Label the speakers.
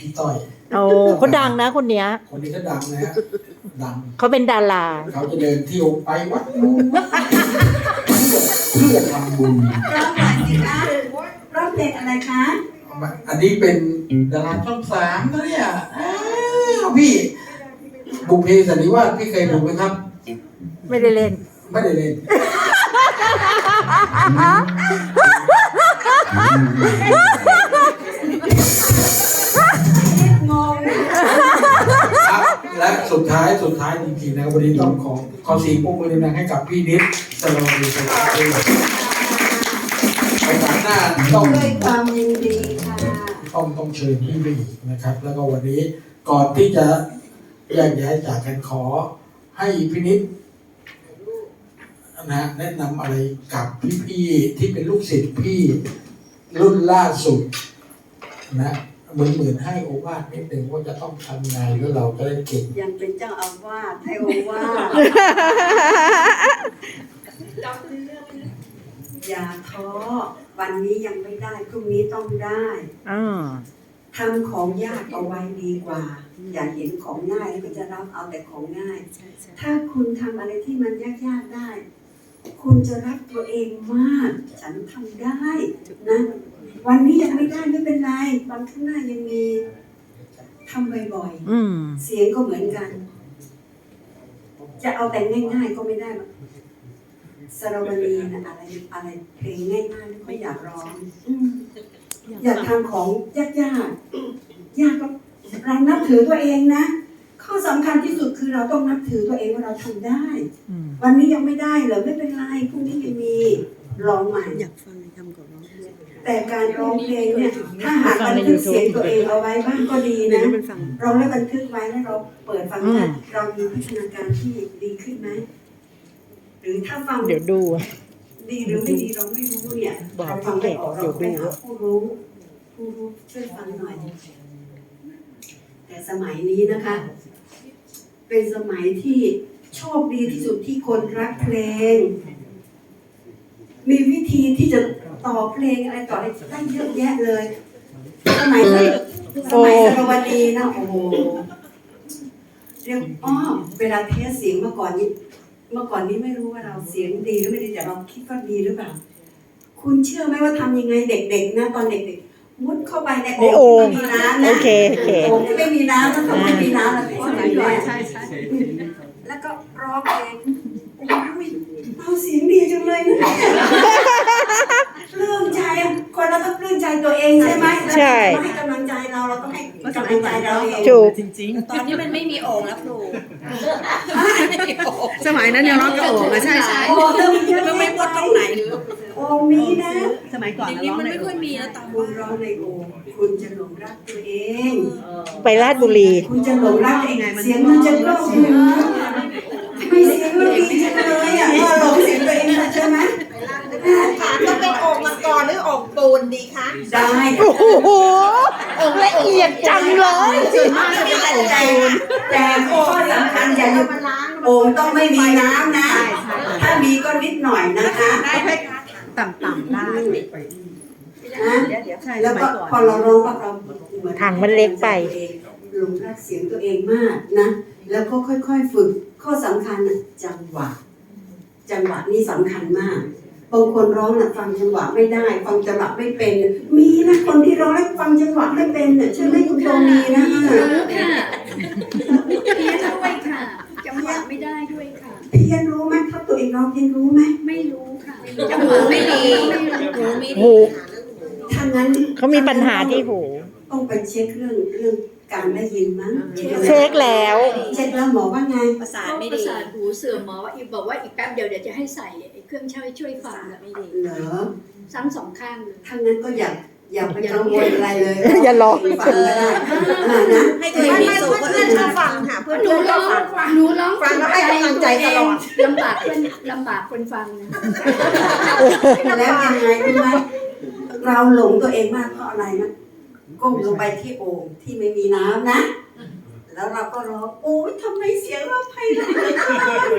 Speaker 1: พี่ต้อย
Speaker 2: โอ้เขาดังนะคนเนี้ย
Speaker 1: คนนี้ก็ดังนะฮะดัง
Speaker 2: เขาเป็นดารา
Speaker 1: เขาจะเดินเที่ยวไปวัดนู้นเพื่อทำบุญ
Speaker 3: ร้องหน่อยสิคะร้องเพลงอะไรคะ
Speaker 1: อันนี้เป็นดาราช่อง3นะเนี่ยพี่บุพเพสันนิวาสพี่เคยดูไหมครับ
Speaker 2: ไม่ได้เล่น
Speaker 1: ไม่ได้เล่น
Speaker 3: งง
Speaker 1: และสุดท้ายจริงๆนะวันนี้ต้องขอเสียงปรบมือดังๆให้กับพี่นิดสโลวีสวัสดีไปหน้าต้อง
Speaker 3: ด้วยความยินดีค่ะ
Speaker 1: ต้องเชิญพี่บีนะครับ แล้วก็วันนี้ก่อนที่จะแยกย้ายจากกันขอให้พี่นิดนะแนะนำอะไรกับพี่ๆที่เป็นลูกศิษย์พี่รุ่นล่าสุดนะเหมือนให้โอวาทนิดนึงว่าจะต้องทำไงแล้วเราจะได้เก่ง
Speaker 3: ยังเป็นเจ้าอาวาสให้โอวาทอย่าท้อวันนี้ยังไม่ได้พรุ่งนี้ต้องได้ทำของยากเอาไว้ดีกว่าอย่าเห็นของง่ายแล้วก็จะรับเอาแต่ของง่ายถ้าคุณทำอะไรที่มันยากๆได้คุณจะรักตัวเองมากฉันทำได้นะวันนี้ยังไม่ได้ไม่เป็นไรวันข้างหน้ายังมีทำบ่อยๆเสียงก็เหมือนกันจะเอาแต่ง่ายๆก็ไม่ได้สระวลีนะอะไรเพลงง่ายๆไม่อยากร้องอยากทำของยากยากก็เรานับถือตัวเองนะข้อสำคัญที่สุดคือเราต้องนับถือตัวเองว่าเราทำได้วันนี้ยังไม่ได้เหรอไม่เป็นไรพรุ่งนี้ยังมีร้องใหม่อยากฟังทำกับร้องแต่การร้องเพลงเนี่ยถ้าหากบันทึกเสียงตัวเองเอาไว้บ้างก็ดีนะร้องแล้วบันทึกไว้แล้วเราเปิดฟังนะเรามีพัฒนาการที่ดีขึ้นไหมหรือถ้าฟัง
Speaker 2: เดี๋ยวดู
Speaker 3: ดีหรือไม่ดีเราไม่รู้เนี่ยเราฟังไม่ออกเราไปหาผู้รู้ช่วยฟังหน่อยแต่สมัยนี้นะคะเป็นสมัยที่โชคดีที่สุดที่คนรักเพลงมีวิธีที่จะต่อเพลงอะไรต่ออะไรได้เยอะแยะเลยสมัยสรวดีนะโอ้โหเรียกเวลาเทสเสียงเมื่อก่อนนี้ไม่รู้ว่าเราเสียงดีหรือไม่ดีแต่เราคิดว่าดีหรือเปล่าคุณเชื่อไหมว่าทำยังไงเด็กๆนะตอนเด็กๆมุดเข้าไปในโอ่งที่ไม่มีน้ำนะโอ่งที่ไม่มีน้ำต้องไม่มีน้ำแล้วก็ไหลแรงแล้วก็ร้องเพลงเราเสียงดีจังเลยนะปลื้มใจคนเราต้องปลื้มใจตัวเองใช่ไหมใช่ให้กำลังใจเราต้องให้กำลังใจเราเอง
Speaker 2: ถูก
Speaker 4: จริงๆตอนนี้มันไม่มีโอ่งแล้วครู
Speaker 5: สมัยนั้นยังร้องกับโอ่งใช่
Speaker 3: โอ่ง
Speaker 4: มันไม่พ้นตรงไหน
Speaker 3: โอ่งมีนะ
Speaker 5: สมัยก่อน
Speaker 4: นี้มันไม่ค่อยมีแล้วตอน
Speaker 3: คุณร้องในโอ่งคุณจะหลงรักตัวเอง
Speaker 2: ไปราชบุรี
Speaker 3: คุณจะหลงรักเองเสียงมันจะกล้องไม่เสียงมันดีจังเลยอ่ะหลงเสียงตัวเองใช่ไหม
Speaker 4: ค่ะต้องเป็นโอ่งมังกรหรือโอ่งปูนดีคะ
Speaker 3: ได้
Speaker 2: โอ้โหละเอียดจังเลย
Speaker 3: แต่ข้อสำคัญอย่าลืมโอ่งต้องไม่มีน้ำนะถ้ามีก็นิดหน่อยนะคะ
Speaker 5: ต่ำๆได้
Speaker 3: แล้วก็พอเราร้องปั๊บเราเหมือน
Speaker 2: ถังมันเล็กไป
Speaker 3: หลงรักเสียงตัวเองมากนะแล้วก็ค่อยๆฝึกข้อสำคัญจังหวะนี่สำคัญมากบางคนร้องฟังจังหวะไม่ได้ฟังจังหวะไม่เป็นมีนะคนที่ร้องแล้วฟังจังหวะไม่เป็นใช่ไหมคุณโตมีนะ
Speaker 6: ค่ะเพี้ยนด้วยค่ะจังหวะไม่ได้ด้วยค่ะ
Speaker 3: เพี้ยนรู้ไหมถ้าตัวเองร้องเพี้ยนรู้ไหม
Speaker 6: ไม่รู้ค่ะ
Speaker 4: จังหวะไม่ดี
Speaker 2: หู
Speaker 3: ถ้างั้น
Speaker 2: เขามีปัญหาที่หู
Speaker 3: ต้องไปเช็คเรื่องการได้ยินมั้ง
Speaker 2: เช็คแล้ว
Speaker 3: หมอว่าไง
Speaker 4: ประสาทไม่ดี
Speaker 6: ประสาทหูเสื่อมหมอบอกว่าอีกแป๊บเดียวจะให้ใส่เครื่องช่วยฟัง
Speaker 3: ไม่ดีเหรอ
Speaker 6: ซ้ำ2 ข้าง
Speaker 3: ถ้างั้นก็อย่าไปกังวลอะไรเลย
Speaker 2: อย่าลอง
Speaker 3: ฟังก็ได้นะ
Speaker 4: ให้ตัวเองมีสูงคนอื่นเขาฟังค่ะเพื่อนก็ฟัง
Speaker 6: หนูร้อง
Speaker 4: ฟังแล้วให้กำลังใจตลอด
Speaker 6: ลำบากคนฟังนะ
Speaker 3: แล้วยังไงรู้ไหมเราหลงตัวเองมากเพราะอะไรนะก้มลงไปที่โอ่งที่ไม่มีน้ำนะแล้วเราก็ร้องโอ้ยทำไมเสียงเราไพเราะ